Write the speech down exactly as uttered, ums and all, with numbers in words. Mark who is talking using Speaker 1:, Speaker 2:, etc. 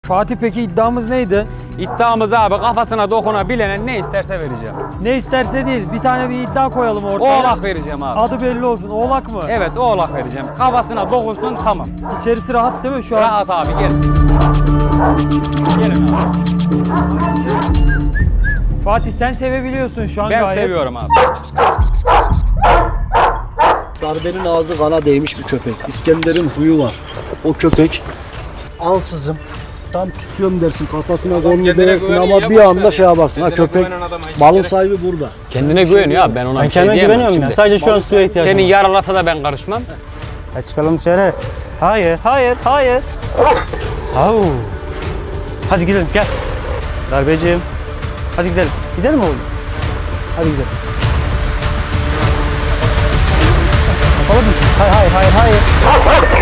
Speaker 1: Fatih peki iddiamız neydi?
Speaker 2: İddiamız abi kafasına dokunabilene ne isterse vereceğim.
Speaker 1: Ne isterse değil. Bir tane bir iddia koyalım ortaya.
Speaker 2: Oğlak vereceğim abi.
Speaker 1: Adı belli olsun. Oğlak mı?
Speaker 2: Evet oğlak vereceğim. Kafasına dokunsun tamam.
Speaker 1: İçerisi rahat değil mi şu an?
Speaker 2: Rahat abi gel. Gelin abi.
Speaker 1: Fatih sen sevebiliyorsun şu an
Speaker 2: Ben
Speaker 1: gayet.
Speaker 2: seviyorum abi.
Speaker 3: Darbenin ağzı kana değmiş bir köpek. İskender'in huyu var. O köpek ansızın tam tutuyorum dersin kafasına kolunu değersin ama bir anda şey yaparsın. Ha köpek malın sahibi burada.
Speaker 2: Kendine güveniyor abi ben ona
Speaker 4: Ben
Speaker 2: bir şey
Speaker 4: kendime
Speaker 2: diyemem
Speaker 4: güveniyorum ya.
Speaker 2: şimdi.
Speaker 4: Sadece şu an suya ihtiyacım
Speaker 2: Seni
Speaker 4: var.
Speaker 2: yaralasa da ben karışmam.
Speaker 4: Hadi çıkalım dışarı. Hayır, hayır, hayır. Au. Hadi gidelim, gel. Darbeciğim. Hadi gidelim. Gidelim oğlum. Hadi gidelim. Yapalım mı? Hayır, hayır, hayır, hayır.